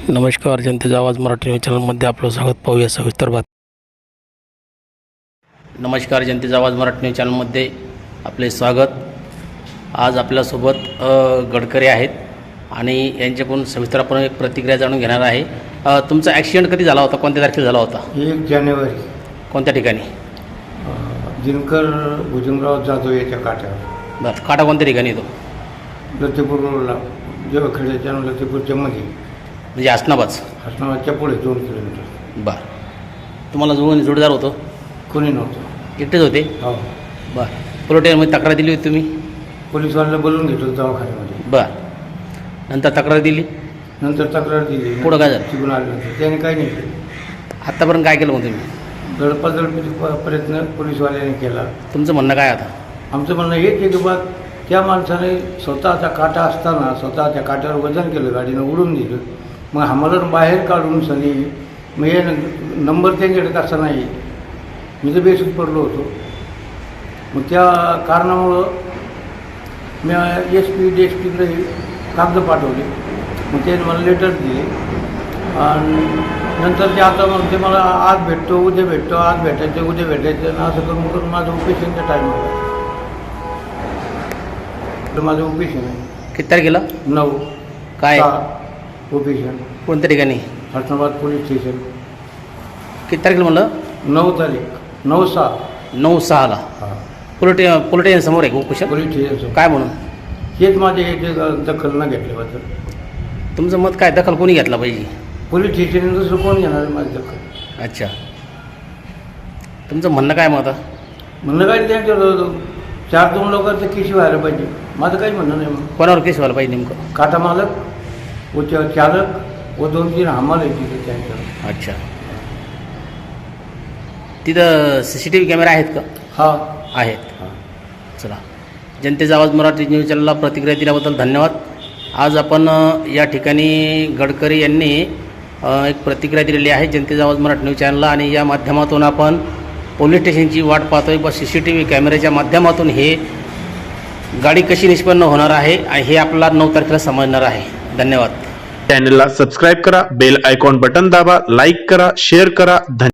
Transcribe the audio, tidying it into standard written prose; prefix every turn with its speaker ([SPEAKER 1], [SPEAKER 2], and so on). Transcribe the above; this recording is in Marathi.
[SPEAKER 1] नमस्कार, जनतेचा आवाज मराठी न्यूज चॅनलमध्ये आपलं स्वागत. पाहूया सविस्तर बात. नमस्कार, जनतेचा आवाज मराठी न्यूज चॅनलमध्ये आपले स्वागत. आज आपल्यासोबत गडकरी आहेत आणि यांच्याकडून सविस्तर आपण एक प्रतिक्रिया जाणून घेणार आहे. तुमचा ॲक्सिडेंट कधी झाला होता? कोणत्या तारखेला झाला होता?
[SPEAKER 2] 1 जानेवारी.
[SPEAKER 1] कोणत्या ठिकाणी?
[SPEAKER 2] दिनकर भुजंगराव जाधव याच्या काठावर.
[SPEAKER 1] बरं, काटा कोणत्या ठिकाणी येतो?
[SPEAKER 2] लतेपूर रोडला, जेव्हा खेड्याच्या लतेपूरच्या मध्ये,
[SPEAKER 1] म्हणजे हसनाबाद.
[SPEAKER 2] हसनाबादच्या पुढे 2 किलोमीटर.
[SPEAKER 1] बरं, तुम्हाला जोडीदार होतं?
[SPEAKER 2] कोणी नव्हतं,
[SPEAKER 1] एकटेच होते?
[SPEAKER 2] हो.
[SPEAKER 1] बरं, पोलीस स्टेशनमध्ये तक्रार दिली होती तुम्ही?
[SPEAKER 2] पोलीसवाल्याला बोलून घेतलं दवाखान्यामध्ये.
[SPEAKER 1] बरं, नंतर तक्रार दिली?
[SPEAKER 2] नंतर तक्रार दिली.
[SPEAKER 1] पुढं काय झालं?
[SPEAKER 2] तिकडून आल्यानंतर त्याने काही नाही केलं.
[SPEAKER 1] आत्तापर्यंत काय केलं मग तुम्ही?
[SPEAKER 2] दडपादडपीचा प्रयत्न पोलीसवाल्याने केला.
[SPEAKER 1] तुमचं म्हणणं काय आता?
[SPEAKER 2] आमचं म्हणणं हेच आहे की बा, त्या माणसाने स्वतःचा काटा असताना स्वतःच्या काट्यावर वजन केलं, गाडीनं उडून दिलं. मग आम्हाला बाहेर काढून सनी मग हे नंबर त्यांच्याकडे कसा नाही, मी तर बेसूट पडलो होतो. मग त्या कारणामुळं मी SP DSPकडे कागद पाठवले. मग ते मला लेटर दिले आणि नंतर ते आता मग ते मला आज भेटतो, उद्या भेटतो, आज भेटायचं, उद्या भेटायचं, आणि असं करून करून माझं ऑपरेशनचा टाईम होता. तर माझं ऑपरेशन आहे.
[SPEAKER 1] किती तारखेला?
[SPEAKER 2] 9
[SPEAKER 1] काय
[SPEAKER 2] ऑपरेशन.
[SPEAKER 1] कोणत्या ठिकाणी?
[SPEAKER 2] Hasnabad police station.
[SPEAKER 1] किती तारखेला म्हणलं?
[SPEAKER 2] 9 तारीख, 9/6.
[SPEAKER 1] 9/6ला
[SPEAKER 2] हां,
[SPEAKER 1] पोलिस समोर आहे कुशल?
[SPEAKER 2] Police station.
[SPEAKER 1] काय म्हणून?
[SPEAKER 2] हेच माझे हे दखल न घेतल्याबद्दल.
[SPEAKER 1] तुमचं मत काय? दखल कोणी घेतला पाहिजे?
[SPEAKER 2] पोलीस स्टेशन दुसरं कोण घेणार आहे माझी दखल?
[SPEAKER 1] अच्छा, तुमचं म्हणणं काय मग आता?
[SPEAKER 2] म्हणणं काय, त्यांच्या 4-2 लोकांचं केस व्हायला पाहिजे. माझं काही म्हणणं नाही. मग
[SPEAKER 1] कोणावर केस व्हायला पाहिजे नेमकं?
[SPEAKER 2] काटा मालक व चालक व 2-3 हमाल आहे तिथे त्यांच्यावर.
[SPEAKER 1] अच्छा, तिथं CCTV कॅमेरा आहेत का?
[SPEAKER 2] हा
[SPEAKER 1] आहेत.
[SPEAKER 2] हां.
[SPEAKER 1] चला, जनतेचा आवाज मराठी न्यूज चॅनलला प्रतिक्रिया दिल्याबद्दल धन्यवाद. आज आपण या ठिकाणी गडकरी यांनी एक प्रतिक्रिया दिलेली आहे जनतेचा आवाज मराठी न्यूज चॅनलला, आणि या माध्यमातून आपण पोलीस स्टेशनची वाट पाहतोय. व CCTV कॅमेऱ्याच्या माध्यमातून हे गाडी कशी निष्पन्न होणार आहे हे आपल्याला 9 तारखेला समजणार आहे. धन्यवाद.
[SPEAKER 3] चॅनलला सबस्क्राईब करा, बेल आयकॉन बटन दाबा, लाईक करा, शेअर करा.